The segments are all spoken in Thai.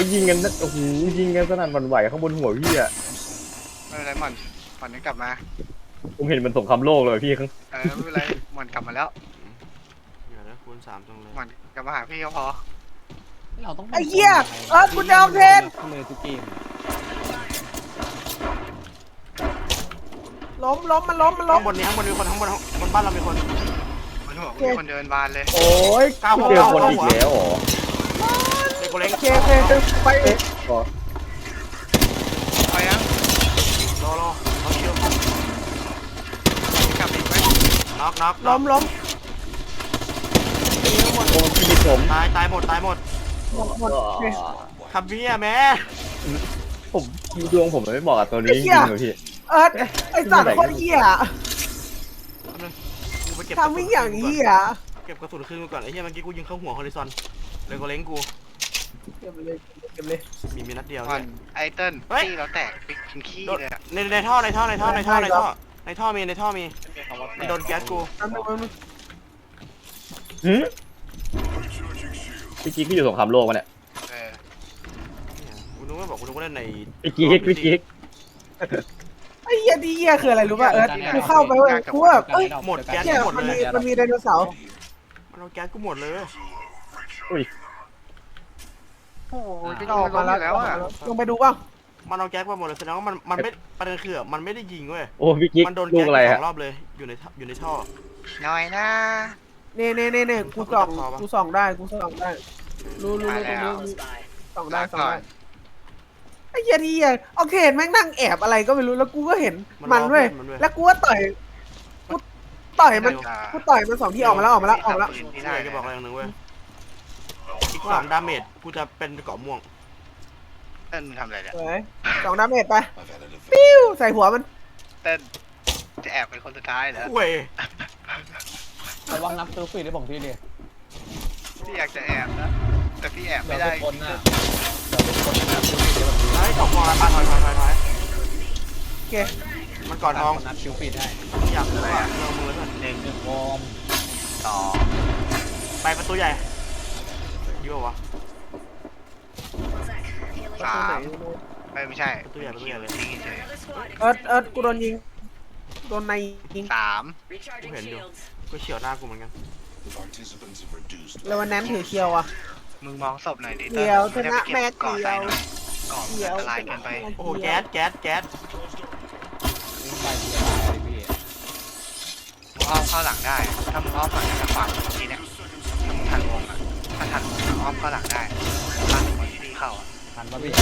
ยิงกันโอ้โหยิงกันสนั่นหวั่นไหวข้างบนหัวพี่อะไม่เป็นไรหม่อนยังกลับมาผมเห็นมันสงครามโลกเลยพี่ข้างไม่เป็นไรหม่อนกลับมาแล้วอย่านะคูณ3จังเลยหม่อนกลับมาหาพี่ก็พอเราต้องไอ้เหี้ยกูจะเอาเพนเลยทุกเกมล้มมันล้มข้างบนนี้ข้างบนมีคนข้างบนบ้านเรามีคนมันหัวมีคนเดินบานเลยโอ้ยเจอคนอีกแล้วเหรอเด็กกูเล็กเคไปก็ไปยังรอเขาเชียวกลับอีกไหมน็อกล้มโอ้พี่มิดผมตายหมดหมดคับเบี้ยแม่ผมดวงผมไม่บอกกับตัวนี้จริงเลยพี่ไอ้สัตว์โคตรเหี้ยทำไม่อย่างนี้อ่ะเก็บกระสุนคืนกูก่อนไอ้เหี้ยเมื่อกี้กูยิงเข้าหัวฮอริซอนเลยกูเล้งกูเก็บเลยมีนัดเดียวไอเติ้ลที่เราแตกเป็นขี้เลยในท่อมีมันโดนแก๊สกูพี่กิ๊กพี่อยู่สงครามโลกมาเนี่ยกูนึกว่าเล่นในพี่กิ๊กไอ้เหี้ยดีเหี้ยคืออะไรรู้ป่ะกูเข้าไปเว้ยกูแบบหมดแก๊สหมดเลยมันมีไดโนเสาร์มันเอาแก๊สกูหมดเลยอุ้ยโอ้ยจะลงมาแล้วอ่ะลงไปดูป่ะมันเอาแก๊สมาหมดเลยแสดงว่ามันไม่ประเด็นคือมันไม่ได้ยิงเว้ยโอ้พี่กิ๊กมันโดนแก๊สสองรอบเลยอยู่ในท่อน้อยนะเน่กูส่องได้รู้ส่องได้ไอ้เหี้ยดีอ่ะโอเคแม่งนั่งแอบอะไรก็ไม่รู้แล้วกูก็เห็นมันเว้ยแล้วกูก็ต่อยมัน2 ที่ออกมาแล้วใช่จะบอกอะไรอย่างหนึ่งเว้ยอีก2 ดาเมจกูจะเป็นเกาะม่วงเต้นทำอะไรเนี่ย 2 ดาเมจไปปิ้วใส่หัวมันเต้นจะแอบเป็นคนสุดท้ายเหรอเว้ยระวังนับตัวฟรีได้บอกพี่ดิพี่อยากจะแอบนะแต่พี่แอบไม่ได้คนน่ะไอ้ตกมองบ้านถอยโอเคมันก่อนทองนับคิวฟีดให้อยากเลยเรื่องมือเลย 1วอร์ม 2ไปประตูใหญ่ยี่ห้อวะ 3ไม่ใช่ประตูใหญ่เลยกูโดนยิงโดนในยิง 3 กูเห็นอยู่กูเฉียวหน้ากูเหมือนกันแล้ววันนั้นถือเคียวอ่ะมึงมองศพหน่อยดิเคียวชนะแม่เคียวก่อนอันตรายเกินไปโอ้แก๊สมึงอ้อมเข้าหลังได้ถ้ามึงอ้อมหลังจะฟังทีเนี้ยถ้ามึงทันวงอ่ะถ้าทันวงอ้อมเข้าหลังได้ทันวงที่พี่เข้าทันป่ะพี่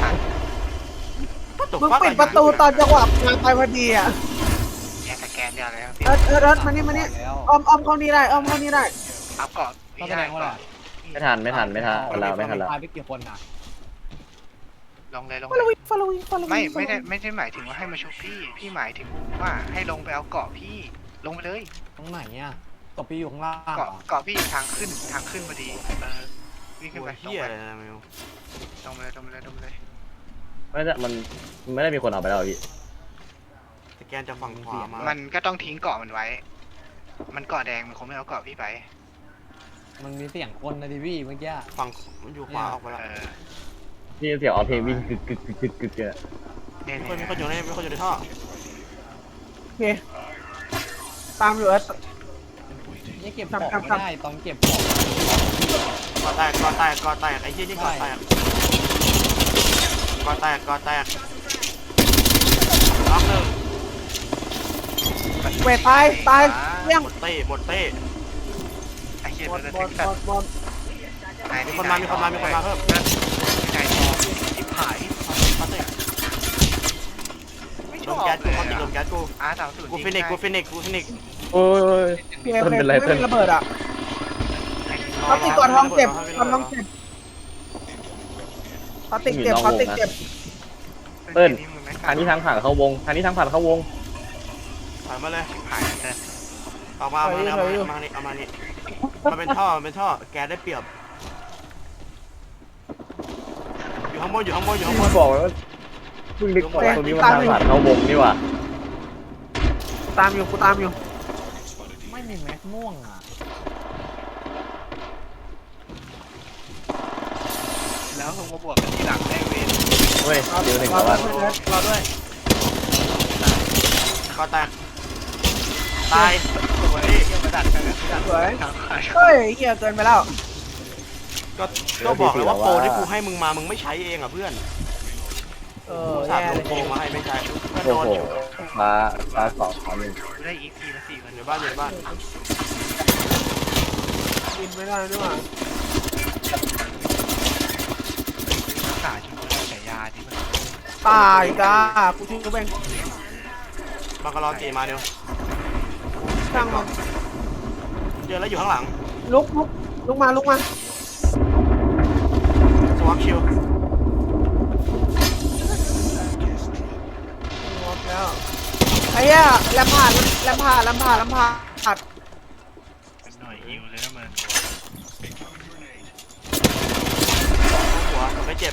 มึงปิดประตูตอนจังหวะมาไปพอดีอ่ะสแกนเดียวเลยครับมานี่อ้อมเข้านี่ได้อัพก่อนต้องแสดงว่าอะไรไม่ทันเราไม่ทันแล้วไปกี่คนอ่ะลงเลย following ไม่ได้หมายถึงว่าให้มาชกพี่หมายถึงว่าให้ลงไปเอาเกาะพี่ลงไปเลยตรงไหนอ่ะตบพี่อยู่ข้างล่างเกาะพี่ทางขึ้นพอดีวิ่งขึ้นไปเฮียอะไรนะมิวตรงไปเลยมันไม่ได้มีคนเอาไปแล้วพี่สแกนจะฝั่งขวามันก็ต้องทิ้งเกาะมันไว้มันเกาะแดงมันคงไม่เอาเกาะพี่ไปมันมีเสียงคนนะดิพี่เมื่อกี้ฝั่งมันอยู่ขวาออกไปแล้วพี่เสียงออเพลงวิ่งกึกเนี่ยมีคนอยู่ในท่อโอเคตามอยู่นี่เก็บของไม่ได้ต้องเก็บของก่อแตกไอ้เหี้ยนี่ก่อแตกล็อกหนึ่งเวทตายเลี้ยงหมดเต้ไอ้เหี้ยบอลมีคนมาเพิ่มไก่ทิพหายไม่ชอบแก๊สกูเขาติดลมแก๊สกูกูฟินิกโอ้ยมันเป็นไรเต้นระเบิดอ่ะเขาติดก่อนท้องเจ็บเขาติดเจ็บเติ้ลทางนี้ทางผ่านเข้าวงผ่านมาเลยเอามานี่มันเป็นท่อแก๊สได้เปรียบอยู่ข้างบนบอกว่าเพิ่งนึกว่าตรงนี้มันทางผ่านเข้าวงนี่ว่ะกูตามอยู่ไม่มีแม็กม่วงอ่ะแล้วแล้วผมมาบวกกันทีหลังได้เวรเฮ้ยเดี๋ยวหนึ่งรอแล้วด้วว่ะยรอด้วยก็แตกตายสวยเกี่ยวมาดัดกันนะดัดสวยทางขายเฮ้ยเหี้ยเกินไปแล้วก็บอกเลยว่าโปรที่กูให้มึงมามึงไม่ใช้เองอ่ะเพื่อนแย่สาดลเลงยโปรมาให้ไม่ใช้เพื่อนโอ้โดนโหอยู่ฟ้าสองฟ้าหนึ่งได้อีกทีละ4 มันอยู่บ้านอยู่บ้านกินไม่ได้ด้วยว่ะรักษาจนฉายาที่มันตายจ้ากูทิ้งกูเองบังกะลอตีมาเดียวช่างมันเจอแล้วอยู่ข้างหลังลุกมาสวัสชิวหมดแล้วไอ้เหี้ยแลมผ่านเป็นหน่วยฮิวเลยนะมันหัวไม่เจ็บ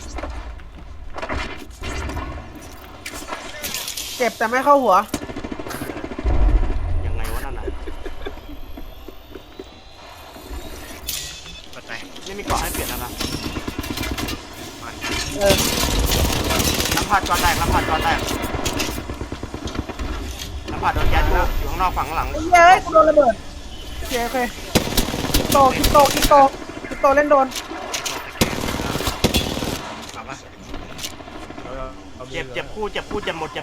เจ็บแต่ไม่เข้าหัวยังไงวะนั่นน่ะกดไปไม่มีเกาะให้เปลี่ยนนะครับมันเออน้ำผัดจอแตกน้ำผัดโดนแก๊สอยู่ข้างนอกฝั่งข้างหลังไอ้เหี้ยเอ้ยกูโดนระเบิดโอเคคิปโตเล่นโดนเอาปะเจ็บคู่เจ็บหมด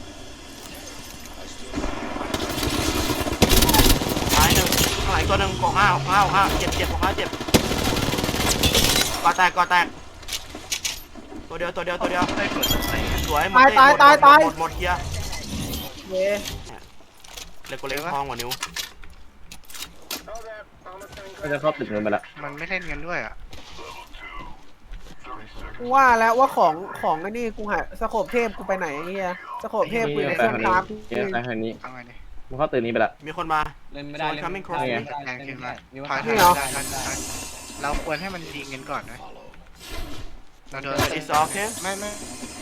ท้ายหนึ่งข้างหลังตัวหนึ่งกองห้าเจ็บกองห้าเจ็บก่อแตกตัวเดียวได้กดอะไรสวยหมดเฮียเย้เล็กกว่าเล็กทองกว่านิ้วก็จะเข้าตึกเงินไปละมันไม่เล่นกันด้วยอ่ะกูว่าแล้วว่าของไอ้นี่กูหายสโคปเทพกูไปไหนไอ้เหี้ยสโคปเทพกูในไปเครื่องทางนี้คราฟไปทางนี้เอาไงดิมันเข้าตึกนี้ไปละมีคนมาเล่นไม่ได้ Someone เล่น coming ไม่ cross ได้ me แทงขึ้นมามีถว่าอยเราควรให้มันยิงกันก่อนไหมเราโดน Is okay ไม่อะ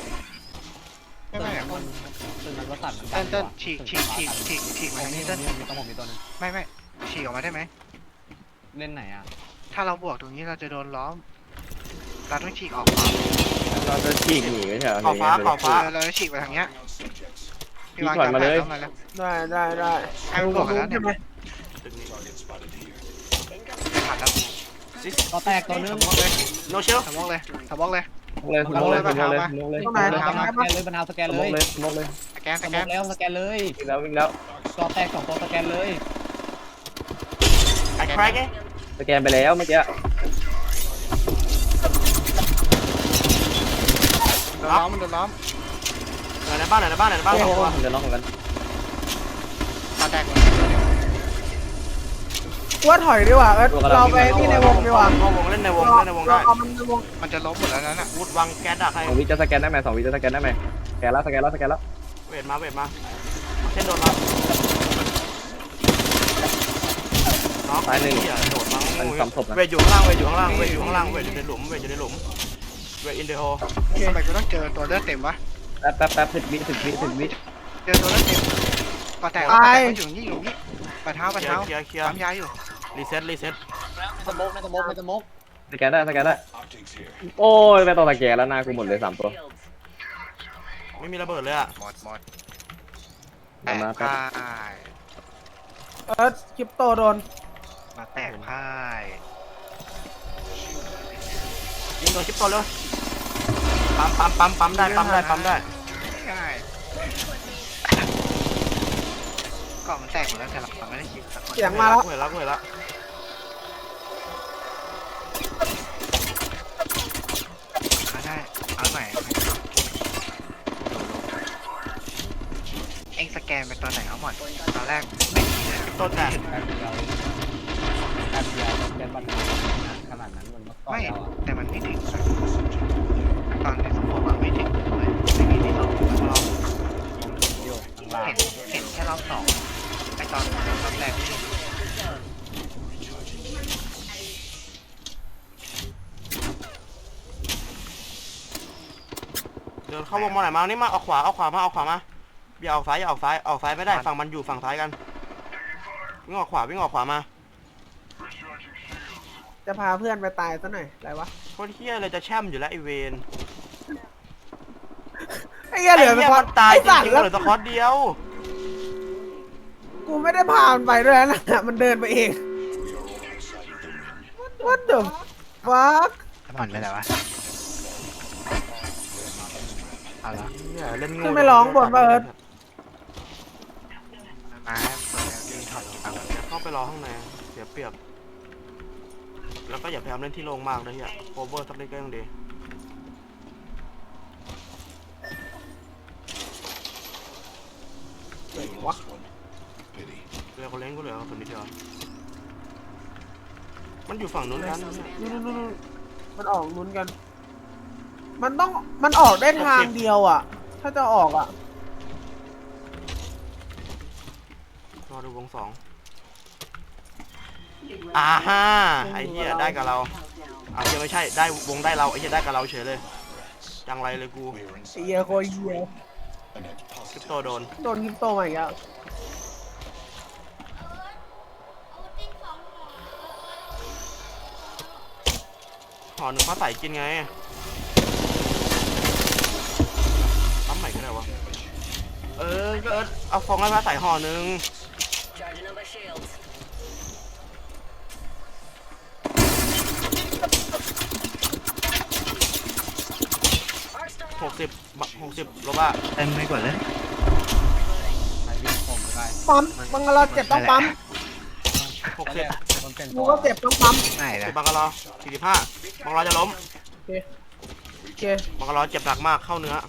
ตื่นมันก็สั่นมันเต้นฉีกมาทางนี้เต้นมีตัวนึงไม่ฉีกออกมาได้ไหมเล่นไหนอ่ะถ้าเราบวกตรงนี้เราจะโดนล้อมเราต้องฉีกออกเราจะฉีกหนีไม่ใช่เหรอขอบฟ้าเราจะฉีกไปทางเนี้ยพี่ถอยมาเลยได้ให้มันบวกกันแล้วเนี่ยใช่ไหมตึกนี้ไม่ทันแล้วซิสก็แตกตัวนึงโนเชลสมองเลยสมองเลยเลยสมองเลยตรงไหนสทำไมแกนเลยบรรเทาสแกนสเลมองยเลยสมองเลยสแกนสแกนเลยวิ่งแล้วก็แตก2ตัวสแกนเลยไอ้แครกสแกนไปแล้วเมื่อกี้โดนล้อมมันโดนล้อมในบ้านสองตัวผมจะล็อกเหมือนกันตาแตกเลยกูว่าถอยดีกว่าเราไปที่ในวงดีกว่าเข้าวงเล่นในวงได้เอามันในวงมันจะล้มหมดแล้วนั่นน่ะวูดวางแก๊สดักให้ 2 วิจะสแกนได้ไหม2 วิจะสแกนได้ไหมสแกนแล้วเวทมาเช่นโดนมาน็อกโดดมาเวทอยู่ข้างล่างเวทอยู่ในหลุมเวทอินเดโฮทำไมกูต้องเจอตัวเลือดเต็มวะแป๊บ10 วิเจอตัวเลือดเต็มปะแตกอยู่นี่ปะเท้าเคลียร์ปั๊มยาอยู่รีเซ็ตสโมกไม่สโมกสแกนได้โอ้ยไม่ต้องสแกนแล้วหน้ากูหมดเลย3 ตัวไม่มีระเบิดเลยอ่ะหมดแตมาก ครับพ่ายคริปโตโดนมาแตกพ่ายยิงโดนชิปโตเลยปั๊มได้ง่ายก่อนมันแตกหมดแล้วแต่เราไม่ได้คิดสักคนเสียงมาแล้วเห็นแล้วได้เอาใหม่เอ็งสแกนเป็นตัวไหนเอาหมดตอนแรกไม่มีเลยชิปโตแตกแป๊บเดียวสแกนบัตรขนาดนั้นมันก็ไม่แล้วอ่ะแต่มันไม่ถึงตอนในสมองอะไม่ถึงเลยไม่มีที่เราอยู่ข้างล่างเห็นแค่รอบสองไอตอนรอบแรกนี่เดินเข้าวงมาไหนมานี่มาเอาขวามาอย่าออกซ้ายไม่ได้ฝั่งมันอยู่ฝั่งซ้ายกันวิ่งออกขวามาจะพาเพื่อนไปตายซะหน่อยอะไรวะตรเฮี้ยเลยจะแช่มอยู่แล้วไอเวนไอ้เหี้ยเหลือไอ้สเหี้ยกอมัตนตายจไอ้สัตริว์งๆแล้วเหลือสกอตเดียวกูไม่ได้พามันไปด้วยนะ มันเดินไปเอง What the fuck ผ่อนไปแล้ววะเอาละเหี้ยเล่นงูขึ้นไปร้องบนเอิร์ธมาเปิดแล้วยิงถอดเอาเข้าไปรอข้างในเสียเปรียบ แล้วก็อย่าพยายามเล่นที่โล่งมากนะเฮียโคเวอร์สักนิดก็ยังดีเรือเขาเล้งกูเหลือคนนิดเดียวมันอยู่ฝั่งนู้นกันนู่นมันออกลุ้นกัน มันออกได้ทางเดียวอ่ะ ถ้าจะออกอ่ะรอดูวงสองอ่าฮ่าไอ้เหี้ยได้กับเราอ่ะเหี้ยไม่ใช่ได้วงได้เราไอ้เหี้ยได้กับเราเฉยเลยจังไรเลยกูไอ้เหี้ยโคตรเหี้ยคริปโตโดนโดนคริปโตมาอีกแล้วห่อหนึ่งฟ้าใสกินไงปั๊มใหม่ก็ได้วะก็เอาฟองให้ฟ้าใสห่อหนึ่ง60ลบอ่ะเต็มไม่กว่าเลยใครวิ่งผมก็ได้ปั๊มบังกะลอเจ็บต้องปั๊ม 60 มันเป็นกูก็เจ็บต้องปั๊มไม่นะ 10บังกะลอ45บังกะลอจะล้มโอเคบังกะลอเจ็บหนักมากเข้าเนื้อ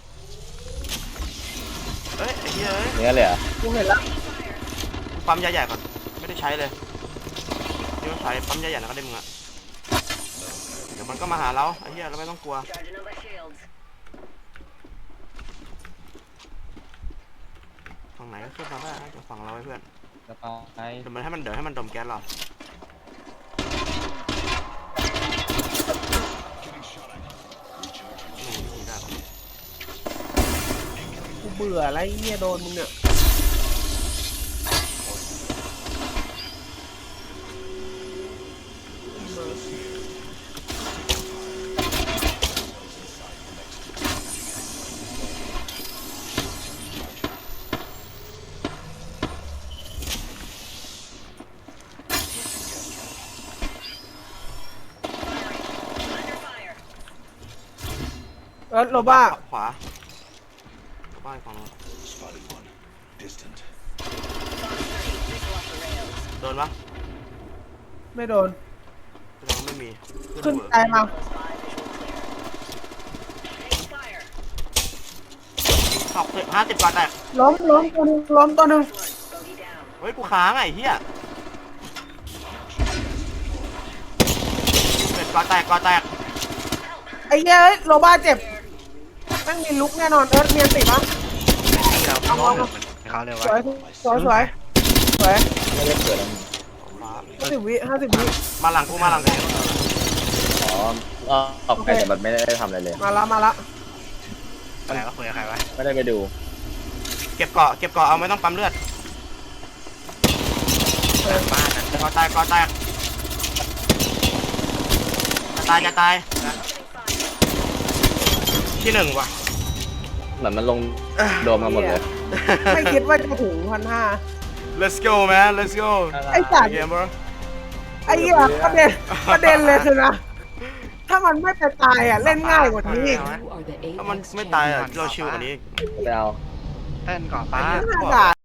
เอ้ยไอ้เหี้ยเอ้ยเนื้อเลยเหรอกูเห็นแล้วกูปั๊มยาใหญ่ก่อนไม่ได้ใช้เลยเดี๋ยวใช้ปั๊มยาใหญ่แล้วก็ได้มึงอะเดี๋ยวมันก็มาหาเราไอ้เหี้ยเราไม่ต้องกลัวฝั่งไหนก็ขึ้นมาได้จากฝั่งเราไว้เพื่อนจะต่อไปเดี๋ยวให้มันดมแก๊สเรา ได้ปะกูเบื่ออะไรเหี้ยโดนมึงเนี่ย โรบ้าขวาโรบ้าอีกฝั่งนู้นโดนปะไม่โดนแสดงว่าไม่มีขึ้นหัวใจมา 50 กว่าแตกล้มตัวหนึงล้มตัวหนึงเฮ้ยกูค้างไอ้เหี้ยเป็ดกอแตกไอ้เหี้ยเอ้ยโรบ้าเจ็บแม่งมีลุกแน่นอนเอิร์ธเมียนติดปะเราเขาเร็วสวะวยสวยสวยไม่ได้เกิดแล้วขวา 50 วิมาหลังกูมาหลังกูอ๋อออกไปแต่มันไม่ได้ทำอะไรเลยมาละอะไรก็คุยกับใครวะไม่ได้ไปดูเก็บเกาะเอาไม่ต้องปั๊มเลือดบ้านนั้นกอแตกจะตายที่1ว่ะเหมือนมันลงโดมมาหมดเลยไม่คิดว่าจะถึง1,500 let's go man let's go ไอ้สัตว์เกม bro ไอ้เหี้ยประเด็นเลยคือนะ ถ้ามันไม่ไปตายอ่ะเล่นง่ายกว่านี้อีกถ้ามันไม่ตายอ่ะเราชิวกว่านี้ไปเอาเต้นก่อฟ้าน่าด่า